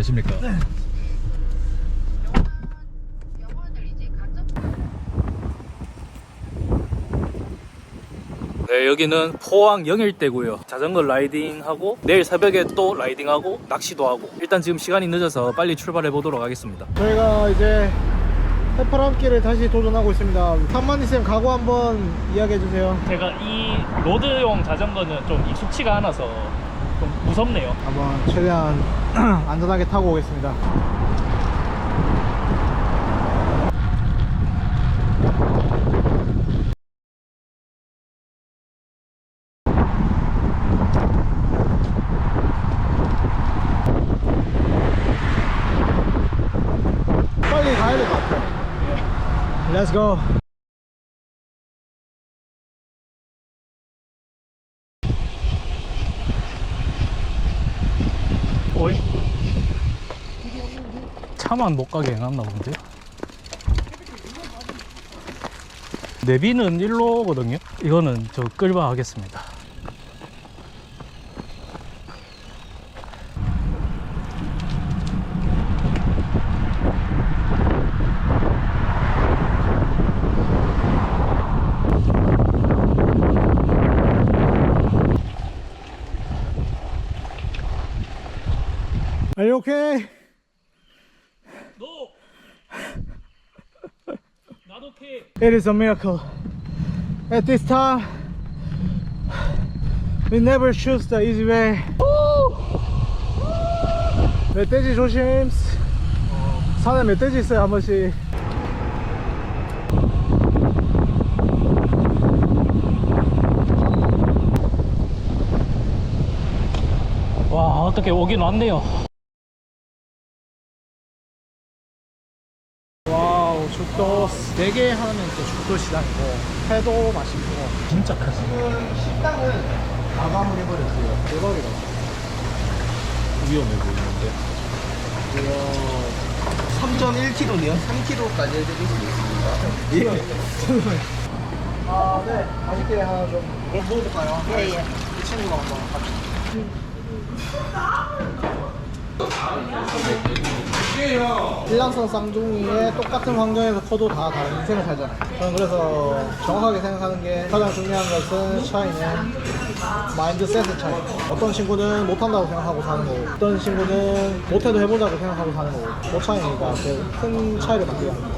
안녕하십니까. 네, 여기는 포항 영일대고요. 자전거 라이딩하고 내일 새벽에 또 라이딩하고 낚시도 하고, 일단 지금 시간이 늦어서 빨리 출발해 보도록 하겠습니다. 저희가 이제 해파람길을 다시 도전하고 있습니다. 산만이쌤 각오 한번 이야기해주세요. 제가 이 로드용 자전거는 좀 익숙치가 않아서 좀 무섭네요. 한번 최대한 안전하게 타고 오겠습니다. 빨리 가야 될 것 같아요. Let's go. 어이? 차만 못 가게 해놨나 본데? 내비는 일로거든요? 이거는 저 끌바 하겠습니다. Are you okay? No! Not okay. It is a miracle. At this time, we never choose the easy way. 멧돼지 조심. 산에 멧돼지 있어요, 한 번씩. 와, 어떻게 오긴 왔네요. 와우, 죽도 4개 하면 또 죽도 시장이고 회도 맛있고. 진짜 크지. 지금 식당은 마감을 해버렸어요. 대박이다. 위험해 보이는데. 3.1kg네요. 3kg까지 해드릴 수 있습니다. 예. 아, 네. 맛있게 하나 좀 먹어볼까요? 예, 예. 이 친구가 한번 같이. 일란성 쌍둥이의 똑같은 환경에서 커도 다 다른 인생을 살잖아요. 저는 그래서 정확하게 생각하는 게 가장 중요한 것은 차이는 마인드셋의 차이. 어떤 친구는 못한다고 생각하고 사는 거고, 어떤 친구는 못해도 해보자고 생각하고 사는 거고, 그 차이니까 큰 차이를 만들게 합니다.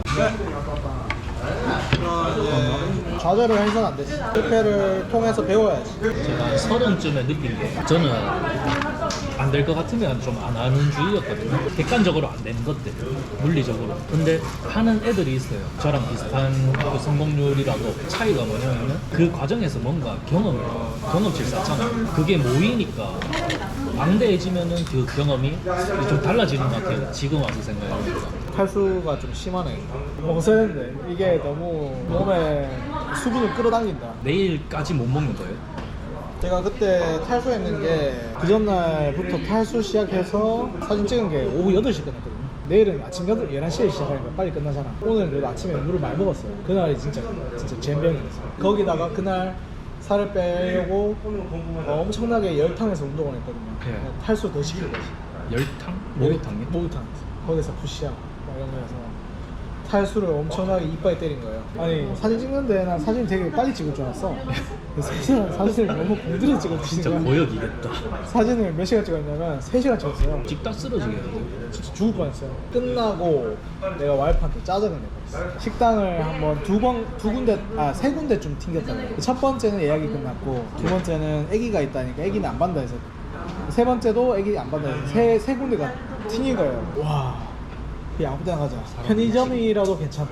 좌절을 해서는 안 되지. 실패를 통해서 배워야지. 제가 30쯤에 느낀 게, 저는 안 될 것 같으면 좀 안 하는 주의였거든요. 객관적으로 안 되는 것들, 물리적으로. 근데 하는 애들이 있어요. 저랑 비슷한 그 성공률이라도. 차이가 뭐냐면 그 과정에서 뭔가 경험치를 쌓잖아요. 그게 모이니까 망대해지면은 그 경험이 좀 달라지는 것 같아요. 지금 와서 생각해보니까. 탈수가 좀 심하네. 먹었는데 이게 너무 몸에 수분을 끌어당긴다. 내일까지 못 먹는 거예요. 제가 그때 탈수했는 게 그 전날부터 탈수 시작해서 사진 찍은 게 오후 8시 끝났거든요. 내일은 아침 11시에 시작하니까 빨리 끝나잖아. 오늘 그래도 아침에 물을 많이 먹었어요. 그날이 진짜 젬병이었어요. 거기다가 그날 살을 빼려고 엄청나게 열탕에서 운동을 했거든요. 네. 탈수 더 시킬 거지. 열탕? 목욕탕이요? 목욕탕. 거기서 푸시업 막 이런 거여서 탈수를 엄청나게 이빨에 때린 거예요. 아니, 사진 찍는데 난 사진 되게 빨리 찍을 줄 알았어. 사진을 너무 공들여 찍어주시는 진짜 거야. 고역이겠다. 사진을 몇 시간 찍었냐면 3시간 찍었어요. 찍다 쓰러지겠는데. 진짜 죽을 뻔했어요. 끝나고 내가 와이프한테 짜증을 내버렸어. 식당을 한번 세 군데쯤 튕겼다는 거예요. 첫 번째는 예약이 끝났고, 두 번째는 아기가 있다니까 아기는 안 받는다 해서, 세 번째도 아기 안 받는다 해서 세 군데가 튕긴 거예요. 와, 그냥 아무 데나 가자. 편의점이라도 괜찮다.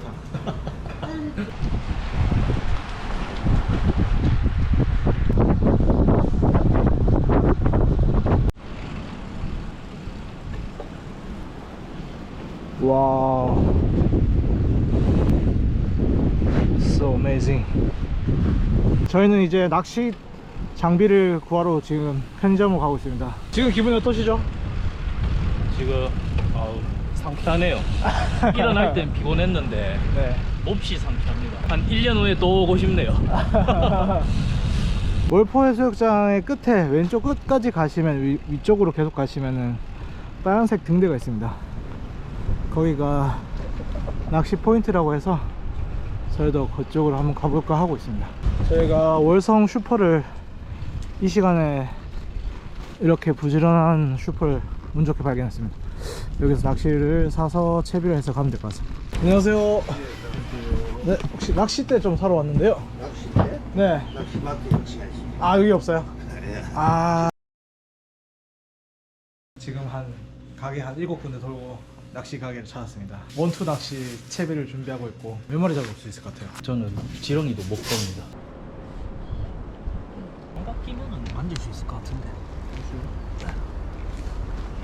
와, so amazing. 저희는 이제 낚시 장비를 구하러 지금 편의점으로 가고 있습니다. 지금 기분이 어떠시죠? 지금 상쾌하네요. 일어날 땐 피곤했는데 네. 몹시 상쾌합니다. 한 1년 후에 또 오고 싶네요. 월포 해수욕장의 끝에 왼쪽 끝까지 가시면 위쪽으로 계속 가시면은 빨간색 등대가 있습니다. 거기가 낚시 포인트라고 해서 저희도 그쪽으로 한번 가볼까 하고 있습니다. 저희가 월성 슈퍼를 이 시간에 이렇게 부지런한 슈퍼를 운 좋게 발견했습니다. 여기서 낚시를 사서 채비를 해서 가면 될 것 같습니다. 안녕하세요. 네, 혹시 낚싯대 좀 사러 왔는데요. 낚싯대? 네. 낚시마트 역시가 있습니다. 아, 여기 없어요? 네. 아. 지금 한 가게 한 7군데 돌고 낚시 가게를 찾았습니다. 원투 낚시 채비를 준비하고 있고 몇 마리 잡을 수 있을 것 같아요? 저는 지렁이도 못 겁니다. 장갑 끼면은 만질 수 있을 것 같은데.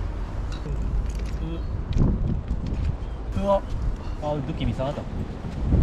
아, 느낌 이상하다.